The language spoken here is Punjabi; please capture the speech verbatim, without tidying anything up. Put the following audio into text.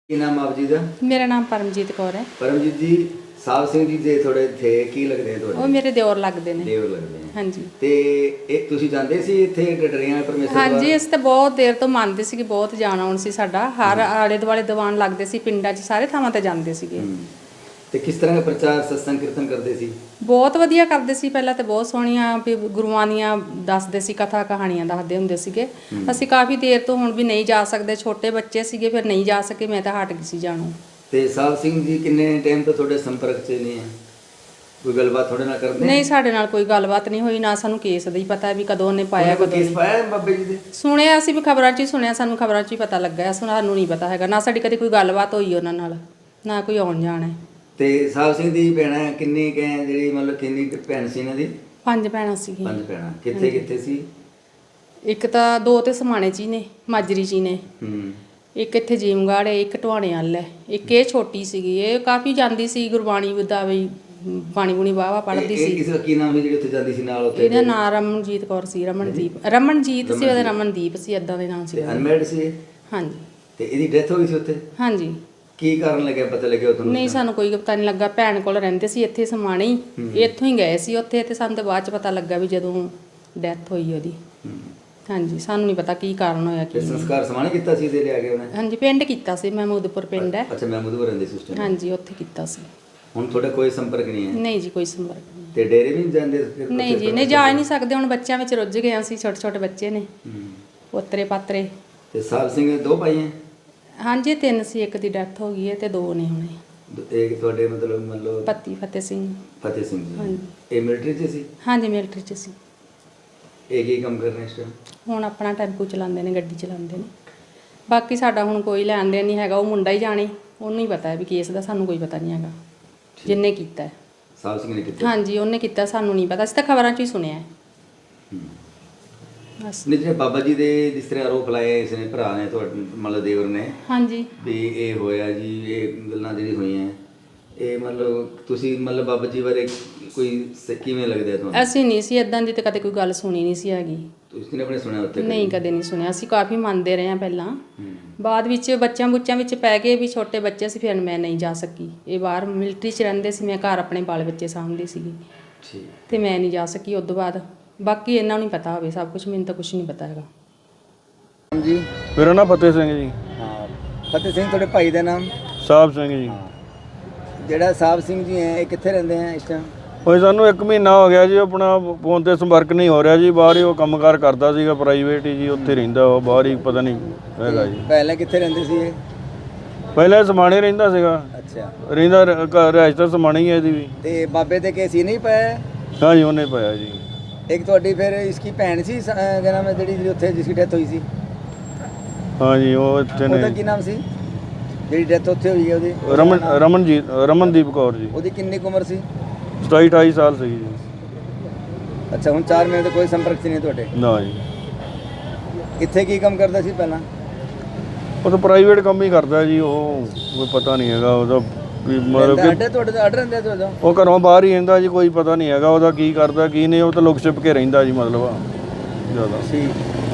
ਕੀ ਨਾਮ ਆਪ ਜੀ ਦਾ? ਮੇਰਾ ਨਾਮ ਪਰਮਜੀਤ ਕੌਰ ਹੈ। ਪਰਮਜੀਤ ਜੀ, ਸਾਹਿਬ ਸਿੰਘ ਜੀ ਦੇ ਥੋੜੇ ਥੇ ਕੀ ਲੱਗਦੇ ਆ ਤੁਹਾਡੇ? ਉਹ ਮੇਰੇ ਦਿਓਰ ਲੱਗਦੇ ਨੇ। ਦਿਓਰ ਲੱਗਦੇ ਆ। ਹਾਂਜੀ। ਤੇ ਇਹ ਤੁਸੀਂ ਜਾਂਦੇ ਸੀ ਇੱਥੇ ਡਡਰੀਆਂ ਪਰਮੇਸ਼ਰ ਦਾ? ਹਾਂਜੀ, ਅਸੀਂ ਤਾਂ ਬਹੁਤ ਦੇਰ ਤੋਂ ਮੰਨਦੇ ਸੀ ਕਿ ਬਹੁਤ ਜਾਣ ਆਉਣ ਸੀ ਸਾਡਾ। ਹਰ ਆਲੇ ਦੁਆਲੇ ਦੀਵਾਨ ਲੱਗਦੇ ਸੀ, ਪਿੰਡਾਂ 'ਚ ਸਾਰੇ ਥਾਵਾਂ ਤੇ ਜਾਂਦੇ ਸੀਗੇ। ਤੇ ਕਿਸ ਤਰ੍ਹਾਂ ਦਾ ਪ੍ਰਚਾਰ ਸਤਸੰਗ ਕੀਰਤਨ ਕਰਦੇ ਸੀ? ਬਹੁਤ ਵਧੀਆ ਕਰਦੇ ਸੀ। ਪਹਿਲਾਂ ਤੇ ਬਹੁਤ ਸੋਹਣੀਆਂ ਵੀ ਗੁਰੂਆਂ ਦੀਆਂ ਦੱਸਦੇ ਸੀ, ਕਥਾ ਕਹਾਣੀਆਂ ਦੱਸਦੇ ਹੁੰਦੇ ਸੀਗੇ। ਅਸੀਂ ਕਾਫੀ ਦੇਰ ਤੋਂ ਹੁਣ ਵੀ ਨਹੀਂ ਜਾ ਸਕਦੇ, ਛੋਟੇ ਬੱਚੇ ਸੀਗੇ, ਫਿਰ ਨਹੀਂ ਜਾ ਸਕੇ, ਮੈਂ ਤਾਂ ਹਟ ਗਈ ਸੀ ਜਾਣੋਂ। ਤੇ ਸਾਹਿਬ ਸਿੰਘ ਜੀ ਕਿੰਨੇ ਟਾਈਮ ਤੋਂ ਤੁਹਾਡੇ ਸੰਪਰਕ 'ਚ ਨਹੀਂ ਹੈ? ਕੋਈ ਗੱਲਬਾਤ ਤੁਹਾਡੇ ਨਾਲ ਕਰਦੇ? ਨਹੀਂ, ਸਾਡੇ ਨਾਲ ਕੋਈ ਗੱਲਬਾਤ ਨਹੀਂ ਹੋਈ, ਨਾ ਸਾਨੂੰ ਕੇਸ ਦਾ ਹੀ ਪਤਾ ਵੀ ਕਦੋਂ ਉਹਨੇ ਪਾਇਆ, ਕਦੋਂ ਕੇਸ ਪਾਇਆ ਬਾਬੇ ਜੀ ਦੇ? ਸੁਣਿਆ ਅਸੀਂ ਵੀ, ਖਬਰਾਂ 'ਚ ਹੀ ਸੁਣਿਆ, ਸਾਨੂੰ ਖਬਰਾਂ 'ਚ ਹੀ ਪਤਾ ਲੱਗਾ, ਸਾਨੂੰ ਨਹੀਂ ਪਤਾ ਹੈਗਾ। ਨਾ ਸਾਡੀ ਕਦੇ ਕੋਈ ਗੱਲਬਾਤ ਹੋਈ ਉਹਨਾਂ ਨਾਲ, ਨਾ ਕੋਈ ਆਉਣ ਜਾਣ ਹੈ। ਤੇ ਸਾਹਿਬ ਸਿੰਘ ਦੀ ਭੈਣਾਂ ਕਿੰਨੀ ਕੁ ਹੈ ਜਿਹੜੀ ਮਤਲਬ ਕਿੰਨੀ ਕੁ ਭੈਣ ਸੀ ਇਹਨਾਂ ਦੀ? ਪੰਜ ਭੈਣਾਂ ਸੀਗੀਆਂ। ਪੰਜ ਭੈਣਾਂ। ਕਿੱਥੇ ਕਿੱਥੇ ਸੀ? ਇੱਕ ਤਾਂ ਦੋ ਤੇ ਸਮਾਣੇ 'ਚ ਹੀ ਨੇ, ਮਾਜਰੀ 'ਚ ਹੀ ਨੇ। ਹੂੰ। ਇੱਕ ਇੱਥੇ ਜੀਮਗੜ੍ਹ ਹੈ, ਇੱਕ ਢਵਾਣੇ ਵੱਲ ਹੈ, ਇੱਕ ਇਹ ਛੋਟੀ ਸੀਗੀ, ਇਹ ਕਾਫੀ ਜਾਂਦੀ ਸੀ ਗੁਰਬਾਣੀ ਦਾ ਵੀ, ਬਾਣੀ ਬੁਣੀ ਵਾਹਵਾ ਪੜ੍ਹਦੀ ਸੀ। ਕਿਸੇ ਦਾ ਕੀ ਨਾਮ ਸੀ ਜਿਹੜੀ ਉੱਥੇ ਜਾਂਦੀ ਸੀ ਨਾਲ? ਉੱਥੇ ਇਹਦਾ ਨਾਮ ਰਮਨਜੀਤ ਕੌਰ ਸੀ। ਰਮਨਦੀਪ ਰਮਨਜੀਤ ਸੀ ਉਹਦਾ, ਰਮਨਦੀਪ ਸੀ, ਏਦਾਂ ਦੇ ਨਾਮ ਸੀ। ਅਨਮੈਰਿਡ ਸੀ? ਹਾਂਜੀ। ਤੇ ਇਹਦੀ ਡੈਥ ਹੋ ਗਈ ਸੀ ਉੱਥੇ? ਹਾਂਜੀ। ਕੀ ਕਾਰਨ ਲੱਗਿਆ, ਪਤਾ ਲੱਗਿਆ ਤੁਹਾਨੂੰ? ਨਹੀਂ, ਸਾਨੂੰ ਕੋਈ ਪਤਾ ਨਹੀਂ ਲੱਗਾ। ਭੈਣ ਕੋਲ ਰਹਿੰਦੇ ਸੀ ਇੱਥੇ ਸਮਾਣੇ ਹੀ, ਇੱਥੋਂ ਹੀ ਗਏ ਸੀ ਉੱਥੇ, ਤੇ ਸਾਨੂੰ ਤਾਂ ਬਾਅਦ 'ਚ ਪਤਾ ਲੱਗਾ ਵੀ ਜਦੋਂ ਡੈਥ ਹੋਈ ਉਹਦੀ। ਹਾਂਜੀ, ਸਾਨੂੰ ਨਹੀਂ ਪਤਾ ਕੀ ਕਾਰਨ ਹੋਇਆ। ਕੀ ਸੰਸਕਾਰ ਸਮਾਣੇ ਕੀਤਾ ਸੀ ਇਹਦੇ ਲਿਆ ਕੇ ਉਹਨੇ? ਹਾਂਜੀ, ਪਿੰਡ ਕੀਤਾ ਸੀ, ਮਹਿਮੂਦਪੁਰ ਪਿੰਡ ਹੈ। ਅੱਛਾ, ਮਹਿਮੂਦਪੁਰ ਰਹਿੰਦੇ ਸੀ ਉਸ ਟਾਈਮ? ਹਾਂਜੀ, ਉੱਥੇ ਕੀਤਾ ਸੀ। ਹੁਣ ਤੁਹਾਡਾ ਕੋਈ ਸੰਪਰਕ ਨਹੀਂ ਹੈ? ਨਹੀਂ ਜੀ, ਕੋਈ ਸੰਪਰਕ ਨਹੀਂ। ਤੇ ਡੇਰੇ ਵੀ ਨਹੀਂ ਜਾਂਦੇ? ਨਹੀਂ ਜੀ, ਨਹੀਂ ਜਾ ਹੀ ਨਹੀਂ ਸਕਦੇ, ਹੁਣ ਬੱਚਿਆਂ ਵਿੱਚ ਰੁੱਝ ਗਏ ਅਸੀਂ, ਛੋਟੇ ਛੋਟੇ ਬੱਚੇ ਨੇ, ਪੋਤਰੇ ਪਾਤਰੇ। ਤੇ ਸਾਹਿਬ ਸਿੰਘ ਦੇ ਦੋ ਭਾਈ ਹੈ? ਹਾਂਜੀ, ਤਿੰਨ ਸੀ, ਇੱਕ ਦੀ ਡੈਥ ਹੋ ਗਈ ਹੈ ਤੇ ਦੋ ਨੇ ਹੁਣੇ। ਇੱਕ ਤੁਹਾਡੇ ਮਤਲਬ ਮਤਲਬ ਪਤੀ ਫਤਿਹ ਸਿੰਘ। ਫਤਿਹ ਸਿੰਘ ਜੀ। ਹਾਂਜੀ। ਇਹ ਮਿਲਟਰੀ 'ਚ ਸੀ? ਹਾਂਜੀ, ਮਿਲਟਰੀ 'ਚ ਸੀ। ਇਹ ਕੀ ਕੰਮ ਕਰ ਰਹੇ ਇਸ ਟਾਈਮ? ਹੁਣ ਆਪਣਾ ਟੈਂਪੂ ਚਲਾਉਂਦੇ ਨੇ, ਗੱਡੀ ਚਲਾਉਂਦੇ ਨੇ। ਬਾਕੀ ਸਾਡਾ ਹੁਣ ਕੋਈ ਲੈਣ ਦੇਣ ਨਹੀਂ ਹੈਗਾ, ਉਹ ਮੁੰਡਾ ਹੀ ਜਾਣੇ, ਉਹਨੂੰ ਹੀ ਪਤਾ ਹੈ ਵੀ ਕੇਸ ਦਾ, ਸਾਨੂੰ ਕੋਈ ਪਤਾ ਨਹੀਂ ਹੈਗਾ ਜਿੰਨੇ ਕੀਤਾ ਹੈ। ਸਾਹਿਬ ਸਿੰਘ ਨੇ ਕੀਤਾ? ਹਾਂਜੀ, ਉਹਨੇ ਕੀਤਾ, ਸਾਨੂੰ ਨਹੀਂ ਪਤਾ, ਅਸੀਂ ਤਾਂ ਖਬਰਾਂ 'ਚ ਹੀ ਸੁਣਿਆ ਹੈ ਬਸ। ਨਹੀਂ, ਜਿਹੜੇ ਬਾਬਾ ਜੀ ਦੇ ਜਿਸ ਤਰ੍ਹਾਂ ਆਰੋਪ ਲਾਏ ਇਸ ਨੇ ਭਰਾ ਨੇ ਤੁਹਾਡੇ ਮਤਲਬ ਦੇਵਰ ਨੇ, ਹਾਂਜੀ, ਵੀ ਇਹ ਹੋਇਆ ਜੀ, ਇਹ ਗੱਲਾਂ ਜਿਹੜੀ ਹੋਈਆਂ, ਇਹ ਮਤਲਬ ਤੁਸੀਂ ਮਤਲਬ ਬਾਬਾ ਜੀ ਬਾਰੇ ਕੋਈ ਸ- ਕਿਵੇਂ ਲੱਗਦਾ ਤੁਹਾਨੂੰ? ਅਸੀਂ ਨਹੀਂ ਸੀ ਇੱਦਾਂ ਦੀ, ਤਾਂ ਕਦੇ ਕੋਈ ਗੱਲ ਸੁਣੀ ਨਹੀਂ ਸੀ ਹੈਗੀ। ਤੁਸੀਂ ਨੇ ਆਪਣੇ ਸੁਣਿਆ ਉੱਥੇ? ਨਹੀਂ, ਕਦੇ ਨਹੀਂ ਸੁਣਿਆ। ਅਸੀਂ ਕਾਫੀ ਮੰਨਦੇ ਰਹੇ ਹਾਂ ਪਹਿਲਾਂ, ਬਾਅਦ ਵਿੱਚ ਬੱਚਿਆਂ ਬੁੱਚਿਆਂ ਵਿੱਚ ਪੈ ਗਏ ਵੀ, ਛੋਟੇ ਬੱਚੇ ਸੀ, ਫਿਰ ਮੈਂ ਨਹੀਂ ਜਾ ਸਕੀ। ਇਹ ਬਾਹਰ ਮਿਲਟਰੀ 'ਚ ਰਹਿੰਦੇ ਸੀ, ਮੈਂ ਘਰ ਆਪਣੇ ਬਾਲ ਬੱਚੇ ਸਾਂਭਦੀ ਸੀਗੀ, ਤੇ ਮੈਂ ਨਹੀਂ ਜਾ ਸਕੀ ਉਸ ਤੋਂ ਬਾਅਦ। ਬਾਕੀ ਇਹਨਾਂ ਨੂੰ ਨਹੀਂ ਪਤਾ ਹੋਵੇ ਸਭ ਕੁਝ, ਮੈਨੂੰ ਤਾਂ ਕੁਝ ਨਹੀਂ ਪਤਾ ਹੈਗਾ। ਜੀ, ਮੇਰਾ ਨਾਮ ਫਤਿਹ ਸਿੰਘ ਜੀ। ਹਾਂ, ਫਤਿਹ ਸਿੰਘ। ਤੁਹਾਡੇ ਭਾਈ ਦਾ ਨਾਮ? ਸਾਹਿਬ ਸਿੰਘ ਜੀ। ਜਿਹੜਾ ਸਾਹਿਬ ਸਿੰਘ ਜੀ ਹੈ, ਇਹ ਕਿੱਥੇ ਰਹਿੰਦੇ ਆ ਇਸ ਟਾਈਮ? ਉਹ ਸਾਨੂੰ ਇੱਕ ਮਹੀਨਾ ਹੋ ਗਿਆ ਜੀ, ਆਪਣਾ ਫੋਨ ਤੇ ਸੰਪਰਕ ਨਹੀਂ ਹੋ ਰਿਹਾ ਜੀ। ਬਾਹਰ ਹੀ ਉਹ ਕੰਮਕਾਰ ਕਰਦਾ ਸੀਗਾ, ਪ੍ਰਾਈਵੇਟ ਹੀ ਜੀ, ਉੱਥੇ ਰਹਿੰਦਾ ਉਹ, ਬਾਹਰ ਹੀ ਪਤਾ ਨਹੀਂ ਹੈਗਾ ਜੀ। ਪਹਿਲਾਂ ਕਿੱਥੇ ਰਹਿੰਦੇ ਸੀ ਇਹ? ਪਹਿਲਾਂ ਸਮਾਣੇ ਰਹਿੰਦਾ ਸੀਗਾ। ਅੱਛਾ। ਰਹਿੰਦਾ ਰਿਹਾਇਸ਼ ਤਾਂ ਸਮਾਣੇ ਹੀ ਹੈ ਇਹਦੀ ਵੀ। ਤੇ ਬਾਬੇ ਤੇ ਕੇਸ ਹੀ ਨਹੀਂ ਪਾਇਆ? ਹਾਂ ਜੀ, ਉਹਨੇ ਪਾਇਆ ਜੀ। ਇੱਕ ਤੁਹਾਡੀ ਫਿਰ ਇਸकी ਭੈਣ ਸੀ, ਕਿਆ ਨਾਮ ਹੈ ਜਿਹੜੀ ਉੱਥੇ ਜਿਸकी ਡੈਥ ਹੋਈ ਸੀ? ਹਾਂ ਜੀ, ਉਹ ਇੱਥੇ ਉਹਦਾ ਨੇ। ਕੀ ਨਾਮ ਸੀ ਜਿਹੜੀ ਡੈਥ ਉੱਥੇ ਹੋਈ ਹੈ ਉਹਦੀ? ਰਮਨ ਰਮਨਜੀਤ ਰਮਨਦੀਪ ਕੌਰ ਜੀ। ਉਹਦੀ ਕਿੰਨੀ ਕੁ ਉਮਰ ਸੀ? ਸਤਾਈ ਅਠਾਈ ਸਾਲ ਸੀਗੀ ਜੀ। ਅੱਛਾ, ਹੁਣ ਚਾਰ ਮਹੀਨੇ ਤੋਂ ਕੋਈ ਸੰਪਰਕ 'ਚ ਨਹੀਂ ਤੁਹਾਡੇ? ਨਾ ਜੀ। ਇੱਥੇ ਕੀ ਕੰਮ ਕਰਦਾ ਸੀ ਪਹਿਲਾਂ? ਉਹ ਤਾਂ ਪ੍ਰਾਈਵੇਟ ਕੰਮ ਹੀ ਕਰਦਾ ਜੀ, ਉਹ ਕੋਈ ਪਤਾ ਨਹੀਂ ਹੈਗਾ ਉਹਦਾ ਵੀ, ਮਤਲਬ ਕਿ ਅੱਡੇ ਤੁਹਾਡੇ ਅੱਡ ਰਹਿੰਦੇ ਤੁਹਾਡਾ? ਉਹ ਘਰੋਂ ਬਾਹਰ ਹੀ ਰਹਿੰਦਾ ਜੀ, ਕੋਈ ਪਤਾ ਨਹੀਂ ਹੈਗਾ ਉਹਦਾ ਕੀ ਕਰਦਾ ਕੀ ਨਹੀਂ, ਉਹ ਤਾਂ ਲੁਕ ਛਿਪ ਕੇ ਰਹਿੰਦਾ ਜੀ, ਮਤਲਬ ਜ਼ਿਆਦਾ। ਠੀਕ।